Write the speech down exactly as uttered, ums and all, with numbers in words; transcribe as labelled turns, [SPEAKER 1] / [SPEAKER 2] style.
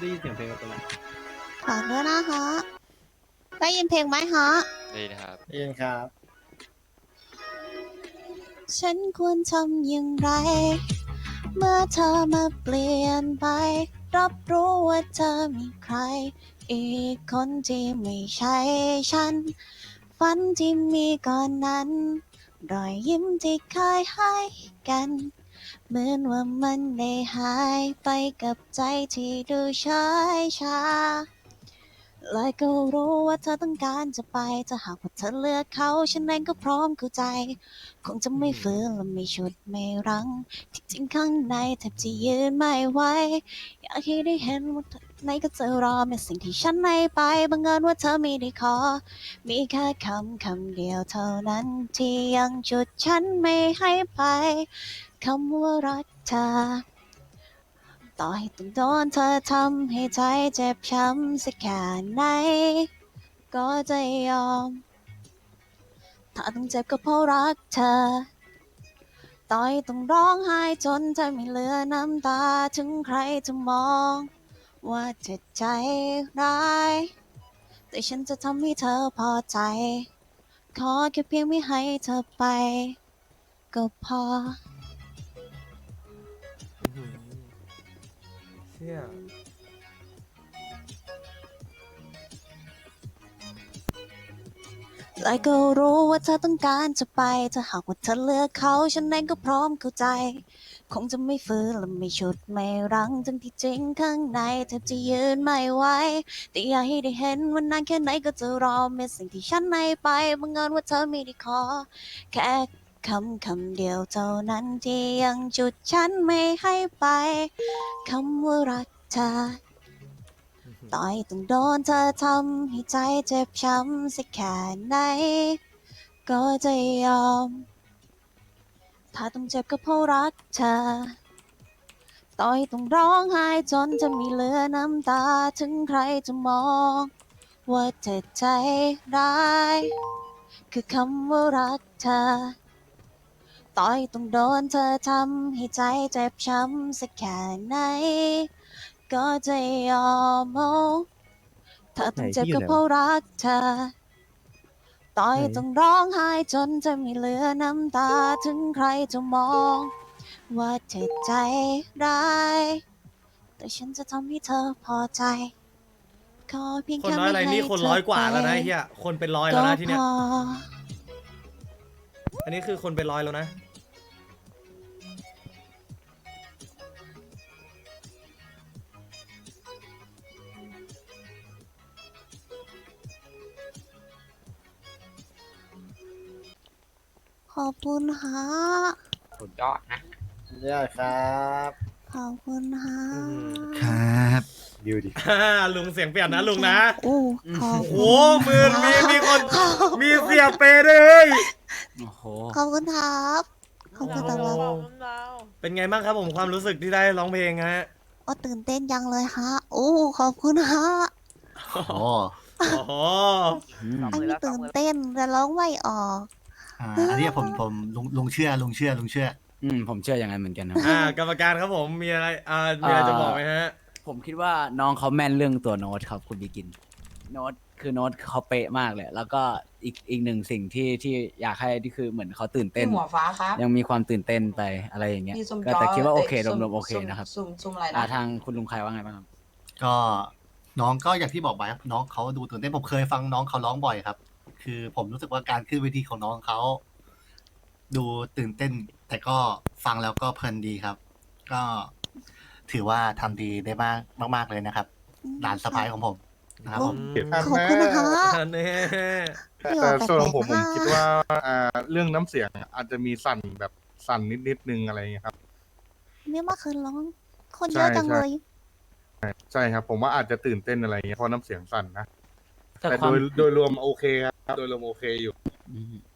[SPEAKER 1] ได้ยินเสียงเพลงตรงไหน
[SPEAKER 2] ฝากด้วยนะฮะได้ยินเพลงไหมฮะ
[SPEAKER 3] ดีนะครับ
[SPEAKER 1] ได้ยินครับ
[SPEAKER 2] ฉันควรทำอย่างไรเมื่อเธอมาเปลี่ยนไปรับรู้ว่าเธอมีใครอีกคนที่ไม่ใช่ฉันฝันที่มีก่อนนั้นรอยยิ้มที่เคยให้กันเหมือนว่ามันได้หายไปกับใจที่ดูเฉยชาและก็รู้ว่าเธอต้องการจะไปถ้าหากว่าเธอเลือกเขาฉันเองก็พร้อมเข้าใจคงจะไม่ฝืนและไม่ฉุดไม่รั้งที่จริงข้างในแทบจะยืนไม่ไหวอยากให้ได้เห็นว่าไหนก็จะรอแม้สิ่งที่ฉันให้ไปบังเอิญว่าเธอไม่ได้ขอมีแค่คำคำเดียวเท่านั้นที่ยังฉุดฉันไม่ให้ไปคำว่ารักเธอต่อให้ต้องโดนเธอทำให้ใจเจ็บช้ำสักแค่ไหนก็จะยอมถ้าต้องเจ็บก็เพราะรักเธอต่อให้ต้องร้องไห้จนใจไม่เหลือน้ำตาถึงใครจะมองว่าเธอใจร้ายแต่ฉันจะทำให้เธอพอใจขอแค่เพียงไม่ให้เธอไปก็พอ
[SPEAKER 1] เชี่ย
[SPEAKER 2] และก็รู้ว่าเธอต้องการจะไปถ้าหากว่าเธอเลือกเขาฉันเองก็พร้อมเข้าใจคงจะไม่ฝืนและไม่ฉุดไม่รั้งทั้งที่จริงข้างในแทบจะยืนไม่ไหวแต่อยากให้ได้เห็นว่านานแค่ไหนก็จะรอเมื่อสิ่งที่ฉันให้ไปบังเอิญว่าเธอไม่ได้ขอแค่คำคำเดียวเท่านั้นที่ยังจุดฉันไม่ให้ไปคำว่ารักเธอต่อยต้องโดนเธอทำให้ใจเจ็บช้ำสักแค่ไหนก็จะยอมถ้าต้องเจ็บก็เพราะรักเธอต่อยต้องร้องไห้จนจะไม่เหลือน้ำตาถึงใครจะมองว่าเธอใจร้ายคือคำว่ารักเธอต่อยต้องโดนเธอทำให้ใจเจ็บช้ำสักแค่ไหนก็จะยอมโอ้ถ้าต้องเจ็บก็เพราะรักเธอต่อยต้องร้องไห้จนจะไม่เหลือน้ำตาถึงใครจะมองว่าเธอใจร้ายแต่ฉันจะทำให้เธอพอใจขอเพียง
[SPEAKER 4] คน
[SPEAKER 2] แค่
[SPEAKER 4] น้อยอะไร
[SPEAKER 2] ไม่ให้
[SPEAKER 4] นี่คน
[SPEAKER 2] เธอ
[SPEAKER 4] ร้อยกว่าแล้วนะ
[SPEAKER 2] ไป
[SPEAKER 4] ไอ้เฮียคนเป็นร้อยแล้
[SPEAKER 2] ก็
[SPEAKER 4] วนะที่
[SPEAKER 2] พ
[SPEAKER 4] เนี้ย
[SPEAKER 2] อ
[SPEAKER 4] อันนี้คือคนเป็นร้อยแล้วนะ
[SPEAKER 2] ขอบคุณฮะ
[SPEAKER 5] สุดยอดนะ
[SPEAKER 1] ยอดครับ
[SPEAKER 2] ขอบคุณฮะ
[SPEAKER 4] อืม
[SPEAKER 6] ครับดิวดิ
[SPEAKER 4] อ่าลุงเสียงเปลี่ยนนะลุงนะ
[SPEAKER 2] โอ้ขอบ
[SPEAKER 4] โอ้
[SPEAKER 2] คุณ
[SPEAKER 4] หมื่นมีมีคน
[SPEAKER 2] ขอบ
[SPEAKER 4] มีเสียเปย์ด้วยเฮ้ย
[SPEAKER 6] โอ้โห
[SPEAKER 2] ขอบคุณครับขอบคุณตลอด
[SPEAKER 4] เป็นไงบ้างครับผมความรู้สึกที่ได้ร้องเพลงฮะ
[SPEAKER 2] โอ้ตื่นเต้นยังเลยฮะโอ้ขอบคุณฮะ
[SPEAKER 6] โอ้โห
[SPEAKER 4] โอ้โห
[SPEAKER 6] อืม
[SPEAKER 2] อันนี้ตื่นเต้นแต่ร้องไม่ออก
[SPEAKER 6] อ่าอันนี้ผมผมลุงลุงเชื่อลุงเชื่อลุงเชื่อ
[SPEAKER 7] อืมผมเชื่ออย่างนั้นเหมือนกันครับ
[SPEAKER 4] อ่ากรรมการครับผมมีอะไรอ่ามีอะไรจะบอกไหมฮะ
[SPEAKER 7] ผมคิดว่าน้องเขาแม่นเรื่องตัวโน้ตครับคุณบิกิน โน้ตคือโน้ตเขาเป๊ะมากเลย แล้วก็อีกอีกหนึ่งสิ่งที่ที่อยากให้ที่คือเหมือนเขาตื่นเต้น
[SPEAKER 8] พี่หัวฟ้าครับ
[SPEAKER 7] ยังมีความตื่นเต้นไปอะไรอย่างเงี้ย
[SPEAKER 8] มีซุ่ม
[SPEAKER 7] ก็
[SPEAKER 8] จอ
[SPEAKER 7] แต่คิดว่าโอเค
[SPEAKER 8] ย
[SPEAKER 7] ร
[SPEAKER 8] ซุ่
[SPEAKER 7] วมๆโอเค
[SPEAKER 8] ซุ่
[SPEAKER 7] นะครับ
[SPEAKER 8] ซุ่มซุ่มอะไร
[SPEAKER 7] อ่า
[SPEAKER 8] นะ
[SPEAKER 7] ทางคุณลุงใครว่าไงบ้างครับ
[SPEAKER 6] ก็น้องก็อย่างที่บอกไปครับน้องเขาดูตื่นเต้นผมเคยฟังน้องเขาร้องบ่อยครับ คือผมรู้สึกว่าการขึ้นเวทีของน้องเขาดูตื่นเต้น แต่ก็ฟังแล้วก็เพลินดีครับ ก็ถือว่าทำดีได้มากมาก ๆเลยนะครับหลานสะพ้ายของผมนะครับผม
[SPEAKER 2] ขอบคุณนะคะ
[SPEAKER 4] อันนี้
[SPEAKER 2] พี่อ
[SPEAKER 9] แต่
[SPEAKER 2] อกแปล
[SPEAKER 9] ส่วนของ
[SPEAKER 2] ก
[SPEAKER 9] ผม
[SPEAKER 2] ๆ
[SPEAKER 9] ผม
[SPEAKER 2] นะ
[SPEAKER 9] คิดว่าอ่าเรื่องน้ำเสียงอาจจะมีสั่นแบบสั่นนิดนิดๆนึงอะไรอย่างเงี้ยครับ
[SPEAKER 2] เนี่ยเมื่อคืนร้อง คนเย
[SPEAKER 9] ใช่
[SPEAKER 2] อะจัง
[SPEAKER 9] ใช่
[SPEAKER 2] เลย
[SPEAKER 9] ใช่ครับผมว่าอาจจะตื่นเต้นอะไรอย่างเงี้ยเพราะน้ำเสียงสั่นนะ
[SPEAKER 7] แต่
[SPEAKER 9] แต่
[SPEAKER 7] ควา
[SPEAKER 9] โด
[SPEAKER 7] ม
[SPEAKER 9] ยโดยรวมโอเคครับโดยรวมโอเคอยู่
[SPEAKER 7] อืม